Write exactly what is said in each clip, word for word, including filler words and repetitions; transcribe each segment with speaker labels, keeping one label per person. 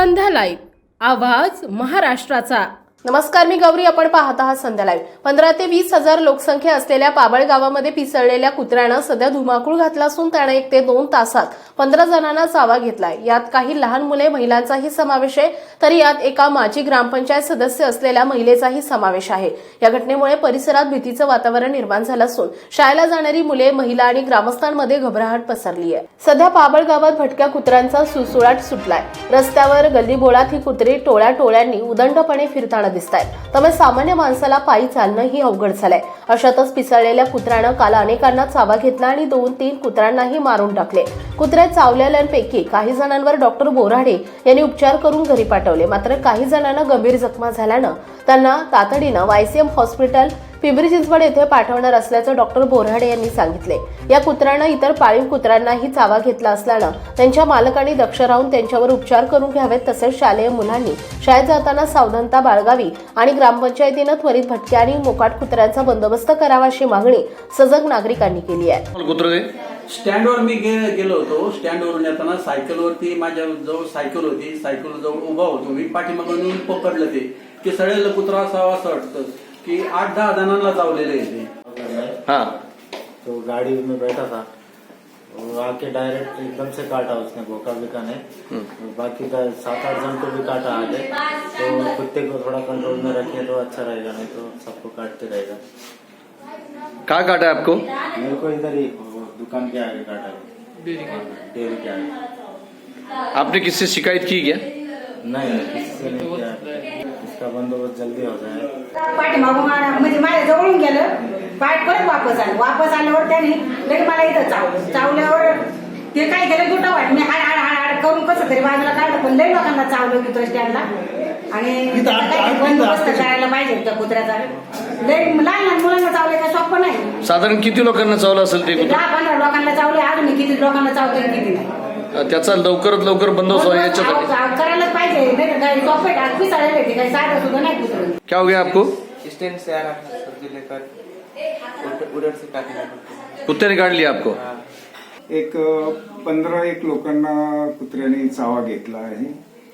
Speaker 1: संध्या live, आवाज महाराष्ट्राचा। नमस्कार, मी गौरी, आपण पाहत आहात संध्या लाईव्ह। पंधरा ते वीस हजार लोकसंख्या असलेल्या पाबळ गावामध्ये पिसळलेल्या कुत्र्यानं सध्या धुमाकूळ घातला असून त्याने एक ते दोन तासात पंधरा जणांना चावा घेतलाय। यात काही लहान मुले, महिलांचाही समावेश आहे, तर यात एका माजी ग्रामपंचायत सदस्य असलेल्या महिलेचाही समावेश आहे। या घटनेमुळे परिसरात भीतीचं वातावरण निर्माण झालं असून शाळेला जाणारी मुले, महिला आणि ग्रामस्थांमध्ये घबराहट पसरली आहे। सध्या पाबळ गावात भटक्या कुत्र्यांचा सुळसुळाट सुटलाय। रस्त्यावर गल्लीबोळात ही कुत्री टोळ्या टोळ्यांनी उदंडपणे फिरताना दिसतायत, त्यामुळे सामान्य माणसाला पायी चालणं ही अवघड झालंय। अशातच पिसळलेल्या कुत्र्यानं काल अनेकांना चावा घेतला आणि दोन तीन कुत्र्यांनाही मारून टाकले। कुत्र्या चावलेल्यांपैकी काही जणांवर डॉक्टर बोराडे यांनी उपचार करून घरी पाठवले, मात्र काही जणांना गंभीर जखमा झाल्यानं त्यांना तातडीनं वायसीएम हॉस्पिटल पिंपरी चिंचवड येथे पाठवणार असल्याचं डॉक्टर बोराडे यांनी सांगितले। या कुत्र्यानं इतर पाळीव कुत्र्यांनाही चावा घेतला असल्यानं त्यांच्या मालकांनी दक्ष राहून त्यांच्यावर उपचार करून घ्यावेत, तसेच शालेय मुलांनी शाळेत जाताना सावधानता बाळगावी आणि ग्रामपंचायतीनं त्वरित भटक्या आणि मोकाट कुत्र्यांचा बंदोबस्त करावा अशी मागणी सजग नागरिकांनी केली आहे।
Speaker 2: स्टँडवर मी गेलो होतो। स्टँडवरून येताना सायकलवरती माझ्या जवळ सायकल होती, सायकल जवळ उभा होतो मी, पाठीमागून येऊन पकडलं ते की सडेल कुत्रा असावा असं वाटतं कि आठ दहा जणांना चावलेले थे।
Speaker 3: हाँ,
Speaker 4: तो गाड़ी में बैठा था, वो आके डायरेक्ट एकदम से काटा, उसने भोका भी का नहीं, बाकी का सात आठ जन को भी काटा आगे। तो कुत्ते को थोड़ा कंट्रोल में रखे तो अच्छा रहेगा, नहीं तो सबको काटते रहेगा।
Speaker 3: कहाँ काटा है आपको?
Speaker 4: मेरे को इधर ही दुकान के आगे काटा है, डेयरी के आगे।
Speaker 3: आपने किससे शिकायत की क्या?
Speaker 4: नहीं, किससे नहीं किया, इसका बंदोबस्त जल्दी हो जाए।
Speaker 5: पाठीमागून म्हणजे माझ्या जवळून गेलं, पाठ परत वापस आलं। वापस आल्यावर त्याने लगेच मला इथं चावलं। चावल्यावर ते काय केलं, दुटा वाट मी हाड हाड हाड हाड करून कसं तरी बाजूला काढलं, पण लई लोकांना चावलं तिथं स्टँडला। आणि बंदोबस्त करायला पाहिजे त्या कुत्र्याचा। लई लहान लहान मुलांना चावले का सोपं नाही।
Speaker 3: साधारण किती लोकांना चावलं असेल ते?
Speaker 5: दहा पंधरा लोकांना चावले, अजून किती लोकांना चावतंय किती नाही।
Speaker 3: त्याचा लवकरात लवकर बंदोबस्त याच्यासाठी
Speaker 5: करायलाच पाहिजे, नाही तर काही सोपे पिसाळलेले ते काही साधं सुद्धा नाही कुत्रं।
Speaker 3: क्या हो गया आपको?
Speaker 6: स्टैंड से आ रहा था, सब्जी लेकर उधर से काटना।
Speaker 3: कुत्ते ने काट लिया आपको?
Speaker 7: एक पंधरा एक लोकांना कुत्र्याने चावा घेतला आहे।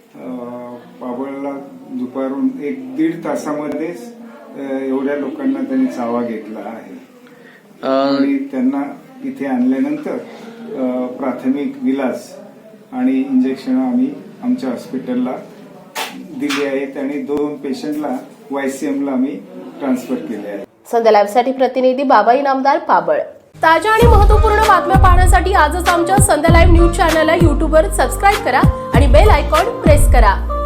Speaker 7: पाबळला दुपारून एक दीड तासामध्येच एवढ्या लोकांना त्यांनी चावा घेतला आहे आणि त्यांना इथे आणल्यानंतर प्राथमिक विलास आणि इंजेक्शन आम्ही आमच्या हॉस्पिटलला दिली आहेत आणि दोन पेशंटला वायसीएमला आम्ही ट्रान्सफर केले आहे।
Speaker 1: संध्या लाईव्हसाठी प्रतिनिधी बाबा इनामदार, पाबळ। ताज्या आणि महत्त्वपूर्ण बातम्या पाहण्यासाठी आजच आमच्या संध्या लाईव्ह न्यूज चॅनलला यूट्यूबवर सबस्क्राईब करा आणि बेल आयकॉन प्रेस करा।